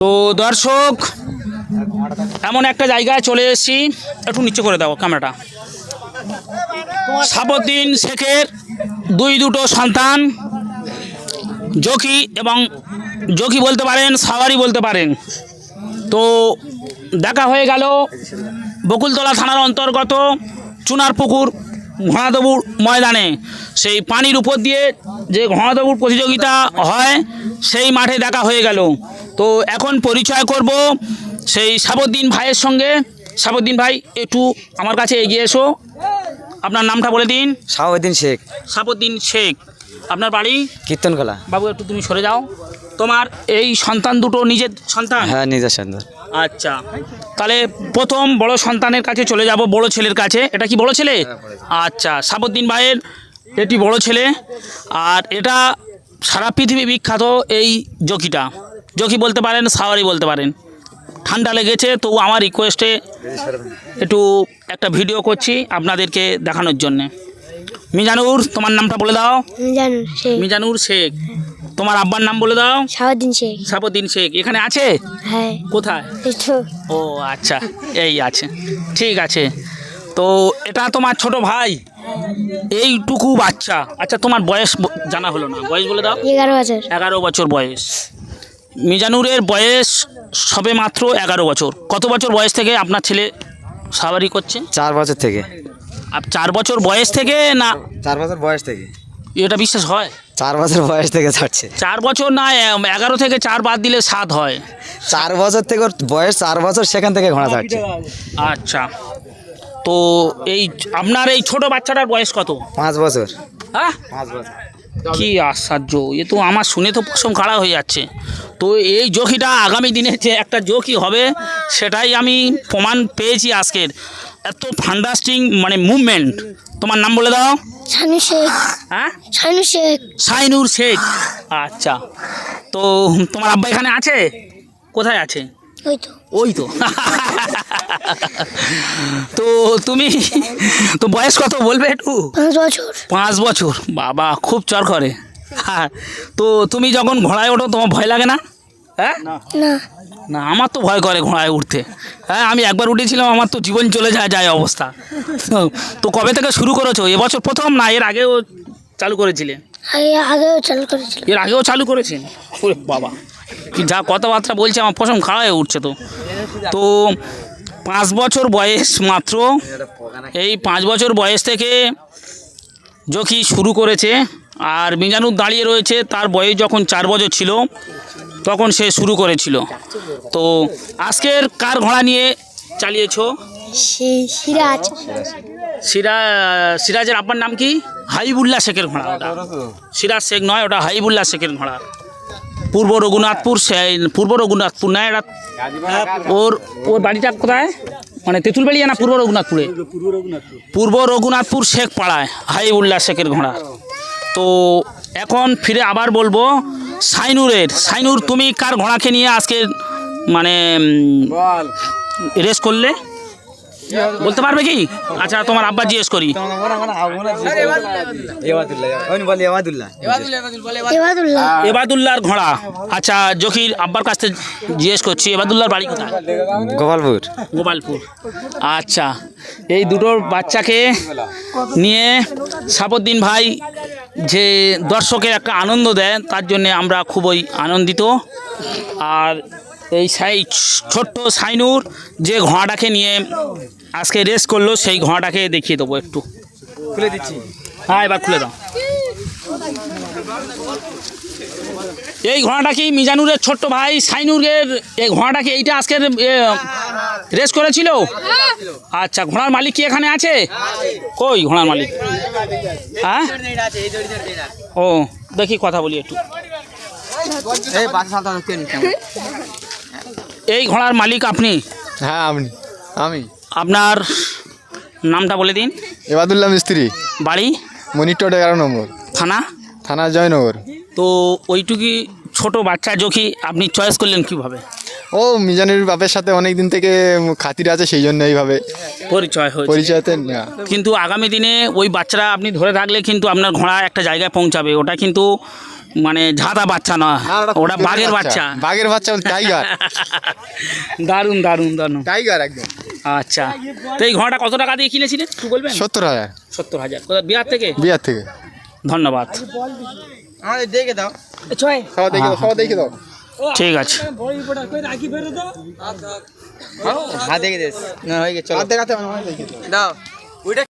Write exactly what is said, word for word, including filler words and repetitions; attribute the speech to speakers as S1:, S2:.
S1: তো দর্শক এমন একটা জায়গায় চলে এসেছি, একটু নিচে করে দাও ক্যামেরাটা। সাবুদ্দিন শেখের দুই দুটো সন্তান, জকি এবং জকি বলতে পারেন, সাওয়ারি বলতে পারেন। তো দেখা হয়ে গেল বকুলতলা থানার অন্তর্গত চুনারপুকুর ঘোড়াদৌড় ময়দানে। সেই পানির উপর দিয়ে যে ঘোড়াদৌড় প্রতিযোগিতা হয় সেই মাঠে দেখা হয়ে গেল। তো এখন পরিচয় করব সেই সাবুদ্দিন ভাইয়ের সঙ্গে। সাবুদ্দিন ভাই একটু আমার কাছে এগিয়ে এসো, আপনার নামটা বলে দিন।
S2: সাবুদ্দিন শেখ।
S1: সাবুদ্দিন শেখ, আপনার বাড়ি?
S2: কীর্তনকলা।
S1: বাবু একটু তুমি সরে যাও। তোমার এই সন্তান দুটো নিজের সন্তান?
S2: হ্যাঁ, নিজের সন্তান।
S1: আচ্ছা, তাহলে প্রথম বড় সন্তানের কাছে চলে যাব, বড় ছেলের কাছে। এটা কি বড় ছেলে? আচ্ছা, সাবুদ্দিন ভাইয়ের এটি বড় ছেলে। আর এটা সারা পৃথিবী বিখ্যাত এই জকিটা। জকি বলতে পারেন, সাওয়ারি বলতে পারেন। ঠান্ডা লেগেছে, তো আমার রিকোয়েস্টে একটু একটা ভিডিও করছি আপনাদেরকে দেখানোর জন্যে। মিজানুর, তোমার নামটা বলে দাও।
S3: মিজানুর শেখ।
S1: মিজানুর শেখ। তোমার আব্বার নাম বলে দাও।
S3: সাবুদ্দিন শেখ।
S1: সাবুদ্দিন শেখ এখানে আছে?
S3: হ্যাঁ।
S1: কোথায়?
S3: এই তো।
S1: ও আচ্ছা, এই আছে, ঠিক আছে। তো এটা তোমার ছোট ভাই, এইটুকু বাচ্চা। আচ্ছা, তোমার বয়স ব- জানা হলো না, বয়স বলে দাও।
S3: এগারো বছর।
S1: এগারো বছর বয়স। মিজানুরের বয়স সবে মাত্র এগারো বছর। কত বছর বয়স থেকে আপনার ছেলে সাওয়ারি করছে?
S2: চার বছর থেকে।
S1: আর চার বছর বয়স থেকে না?
S2: চার বছর বয়স থেকে।
S1: এটা বিশ্বাস হয়?
S2: চার বছর বয়স থেকে ছাড়ছে।
S1: চার বছর না, এ- এগারো থেকে চার বাদ দিলে সাত হয়।
S2: চার বছর থেকে ওর বয়স, চার বছর সেখান থেকে ঘোড়া ছাড়ছে।
S1: আচ্ছা, তো এই আপনার এই ছোট বাচ্চাটার বয়স কত?
S2: পাঁচ বছর।
S1: হ্যাঁ,
S2: পাঁচ বছর।
S1: কি আশ্চর্য! এ তো আমার শুনে তো পশম খাড়া হয়ে যাচ্ছে। তো এই জকিটা আগামী দিনে যে একটা জকি হবে সেটাই আমি প্রমাণ পেয়েছি আজকের। এত ফান্ডাস্টিং মানে মুভমেন্ট। তোমার নাম বলে দাও।
S3: শানু শেখ।
S1: হ্যাঁ,
S3: শানু শেখ।
S1: সাইনুর শেখ। আচ্ছা, তো তোমার আব্বা এখানে আছে? কোথায় আছে?
S3: ওই তো।
S1: ওই তো। তো তুমি তো বয়স কত বলবে একটু?
S3: পাঁচ বছর।
S1: পাঁচ বছর, বাবা খুব চর করে। হ্যাঁ, তো তুমি যখন ঘোড়ায় ওঠো তোমার ভয় লাগে না? হ্যাঁ,
S3: না।
S1: না, আমার তো ভয় করে ঘোড়ায় উঠতে। হ্যাঁ, আমি একবার উঠেছিলাম, আমার তো জীবন চলে যায় যায় অবস্থা। তো- তো কবে থেকে শুরু করেছো? এবছর প্রথম না এর আগেও চালু করেছিলে?
S3: আগে আগেও চালু করেছিল।
S1: এর আগেও চালু করেছেন? ওরে বাবা, কি যা কথাবার্তা বলছে, আমার পশম খাড়া হয়ে উঠছে। তো তো পাঁচ বছর বয়স মাত্র। এই পাঁচ বছর বয়স থেকে জকি শুরু করেছে। আর মিজানুর দাঁড়িয়ে রয়েছে, তার বয়স যখন চার বছর ছিল তখন সে শুরু করেছিল। তো আজকের কার ঘোড়া নিয়ে চালিয়েছো?
S3: সেই সিরাজ।
S1: সিরা সিরাজের আপনার নাম কি? হাবিবুল্লাহ শেখের ঘোড়া ওটা। সিরাজ শেখ নয়, ওটা হাবিবুল্লাহ শেখের ঘোড়া। পূর্ব রঘুনাথপুর, সে- পূর্ব রঘুনাথপুর না এটা? ওর ওর বাড়িটা কোথায়? মানে তেঁতুলবাড়িয়া না পূর্ব রঘুনাথপুরে? পূর্ব রঘুনাথপুর শেখ পাড়ায় হাবিবুল্লাহ শেখের ঘোড়া। তো এখন ফিরে আবার বলবো সাইনুরের। সাইনুর, তুমি কার ঘোড়াকে নিয়ে আজকে মানে রেস করলে বলতে পারবে কি? আচ্ছা, তোমার আব্বা জিজ্ঞেস করি।
S3: এবাদুল্লাহ।
S1: এবাদুল্লাহর ঘোড়া। আচ্ছা, জকির আব্বার কাছ থেকে জিজ্ঞেস করছি, এবাদুল্লাহর বাড়ি কোথায়?
S2: গোপালপুর।
S1: গোপালপুর। আচ্ছা, এই দুটো বাচ্চাকে নিয়ে সাবুদ্দিন ভাই যে দর্শকের একটা আনন্দ দেয়, তার জন্যে আমরা খুবই আনন্দিত। আর এই সাই ছোট্ট সাইনুর যে ঘোড়াটাকে নিয়ে আজকে রেস করলো, সেই ঘোড়াটাকে দেখিয়ে দেবো একটু।
S2: খুলে দিচ্ছি।
S1: হ্যাঁ, এবার খুলে দাও। এই ঘোড়াটা কি মিজানুরের ছোট্ট ভাই সাইনুরের? এই ঘোড়াটা কি এইটা আজকের রেস করেছিল? আচ্ছা, ঘোড়ার মালিক কি এখানে আছে? কই ঘোড়ার মালিক? হ্যাঁ, ও দেখি কথা বলি একটু। এই ঘোড়ার মালিক আপনি?
S4: হ্যাঁ, আমি আমি
S1: আপনার নামটা বলে দিন।
S4: এবাদুল্লাহ মিস্ত্রি,
S1: বাড়ি?
S4: মনিটর এগারো নম্বর,
S1: থানা?
S4: থানা জয়নগর।
S1: তো ওইটুকি ছোট বাচ্চা জকি আপনি চয়েস করলেন কিভাবে?
S4: ও মিজানের বাপের সাথে অনেক দিন থেকে খাতির আছে, সেই জন্য এইভাবে
S1: পরিচয় হয়েছে।
S4: পরিচয়তে না।
S1: কিন্তু আগামী দিনে ওই বাচ্চারা আপনি ধরে রাখলে কিন্তু আপনার ঘোড়া একটা জায়গায় পৌঁছাবে। ওটা কিন্তু মানে ঝাঁদা বাচ্চা না, ওটা বাঘের বাচ্চা।
S4: বাঘের বাচ্চা টাইগার।
S1: দারুণ দারুণ দারুণ।
S4: টাইগার একদম।
S1: আচ্ছা, তো এই ঘোড়াটা কত টাকা দিয়ে কিনেছিলেন একটু বলবেন?
S4: সত্তর হাজার।
S1: সত্তর হাজার কোথায়, বিহার থেকে?
S4: বিহার থেকে।
S1: ধন্যবাদ।
S4: দেখে দাও, সবাই দেখে দাও, সবাই দেখে দাও।
S1: ঠিক আছে।
S2: হ্যাঁ দেখে দিস, হয়ে গেছে, চলো দেখাতে দাও।